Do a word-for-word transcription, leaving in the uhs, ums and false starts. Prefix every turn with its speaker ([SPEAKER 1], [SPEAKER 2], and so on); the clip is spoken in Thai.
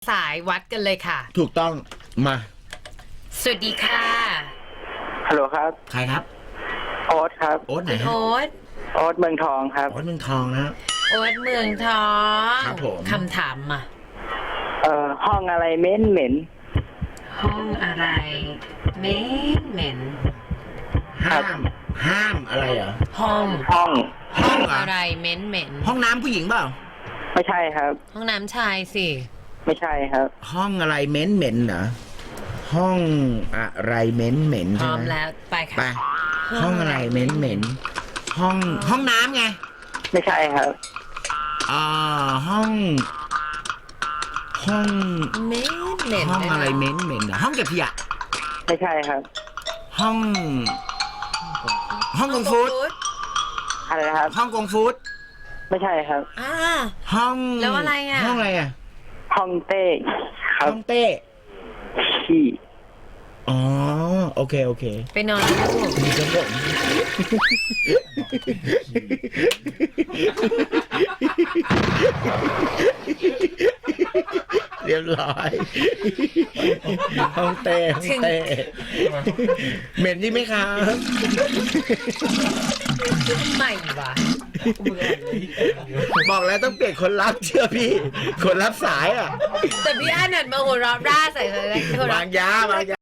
[SPEAKER 1] สายวัดกันเลยค่ะ
[SPEAKER 2] ถูกต้องมา
[SPEAKER 1] สวัสดีค่ะ
[SPEAKER 3] ฮัลโหลครับ
[SPEAKER 2] ใครครับ
[SPEAKER 3] โอ๊ตครับ
[SPEAKER 2] โอ๊ตไหนฮะ
[SPEAKER 1] โอ๊ต
[SPEAKER 3] โอ๊ตเมืองทองครับ
[SPEAKER 2] โอ๊ตเมืองทองนะ
[SPEAKER 1] โอ๊ตเมืองทอง
[SPEAKER 2] ครับผม
[SPEAKER 1] คำถามมา
[SPEAKER 3] เอ่อห้องอะไรเหม็นเหม็น
[SPEAKER 1] ห้องอะไรเหม็นเหม็น
[SPEAKER 2] ห้ามห้ามอะไรเหรอ
[SPEAKER 1] ห้อง
[SPEAKER 3] ห้อง
[SPEAKER 2] ห้องเหรอ
[SPEAKER 1] อะไรเหม็นเหม็น
[SPEAKER 2] ห้องน้ำผู้หญิงเปล่า
[SPEAKER 3] ไม่ใช่ครับ
[SPEAKER 1] ห้องน้ำชายสิ
[SPEAKER 3] ไม่ใช่ครับ
[SPEAKER 2] ห้องอะไรเหม็นเหม็นเหรอห้องอะไรเหม็นเหม็น
[SPEAKER 1] พร้
[SPEAKER 2] ใช่
[SPEAKER 1] อม
[SPEAKER 2] ไหม
[SPEAKER 1] แล้วไปค่ะ
[SPEAKER 2] ไปห้องอะไรเหม็นเหม็นห้องห้องน้ำไง
[SPEAKER 3] ไม่ใช่ครับ
[SPEAKER 2] อ่าห้อง ห้อง
[SPEAKER 1] เหม็นเหม็น
[SPEAKER 2] ห้องอะไรเหม็นเหม็นเหรอห้องเก็บขยะ
[SPEAKER 3] ไม่ใช่ครับ
[SPEAKER 2] ห้อง ห้องกงฟูด
[SPEAKER 3] อะไรนะครับ
[SPEAKER 2] ห้องกงฟูด
[SPEAKER 3] ไม่ใช่ครับ
[SPEAKER 1] อ่า
[SPEAKER 2] ห้อง
[SPEAKER 1] แล้วอะไรอ่ะ
[SPEAKER 2] ห้องอะไรอ่ะ
[SPEAKER 3] ห้องเต้ครั
[SPEAKER 2] ห้
[SPEAKER 3] บ
[SPEAKER 2] องเต้
[SPEAKER 3] ขี้
[SPEAKER 2] อ๋อโอเคโอเค
[SPEAKER 1] ไปนอนลูก
[SPEAKER 2] มีครับผมเรียบร้อยห้องเต้ห้องเต้เหม็นนี่ไหมครับ
[SPEAKER 1] ใหม่วะ
[SPEAKER 2] บอกแล้วต้องเปลี่ยนคนรับเชื่อพี่ คนรับสายอ่ะ
[SPEAKER 1] แต่พี่อันนัดมาหัวเราะร่าใส่เลยหัวเราะ
[SPEAKER 2] วางยาวางยา